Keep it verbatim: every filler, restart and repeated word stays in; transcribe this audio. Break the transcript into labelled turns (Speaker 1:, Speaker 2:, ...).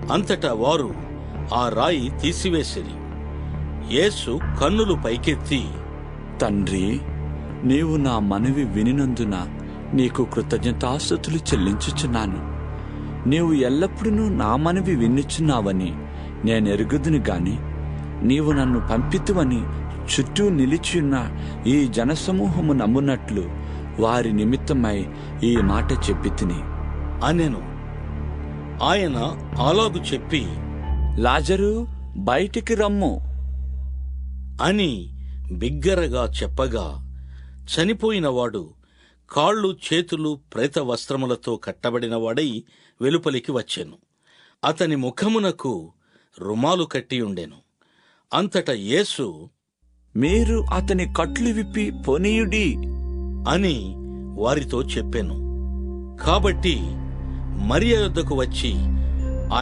Speaker 1: అంతటా వారు ఆ రాయి తీసివేసిరి. యేసు కన్నులు పైకెత్తి,
Speaker 2: తండ్రి, నీవు నా మనవి వినినందున నీకు కృతజ్ఞతాస్తుతులు చెల్లించుచున్నాను. నీవు ఎల్లప్పుడూ నా మనవి వినుచున్నావని నేనెరుగుదును గాని నీవు నన్ను పంపితువని చుట్టూ నిలిచియున్న ఈ జనసమూహము నమ్మునట్లు వారి నిమిత్తమై ఈ మాట చెప్పి తిని
Speaker 1: అనెను. ఆయన అలాగు చెప్పి,
Speaker 2: లాజరు, బయటికి రమ్ము
Speaker 1: అని బిగ్గరగా చెప్పగా చనిపోయినవాడు కాళ్ళు చేతులు ప్రేత వస్త్రములతో కట్టబడినవాడై వెలుపలికి వచ్చెను. అతని ముఖమునకు రుమాలు కట్టియుండెను. అంతట యేసు,
Speaker 2: మీరు అతని కట్లు విప్పి పోనీయుడి
Speaker 1: అని వారితో చెప్పెను. కాబట్టి మరియ యొద్దకు వచ్చి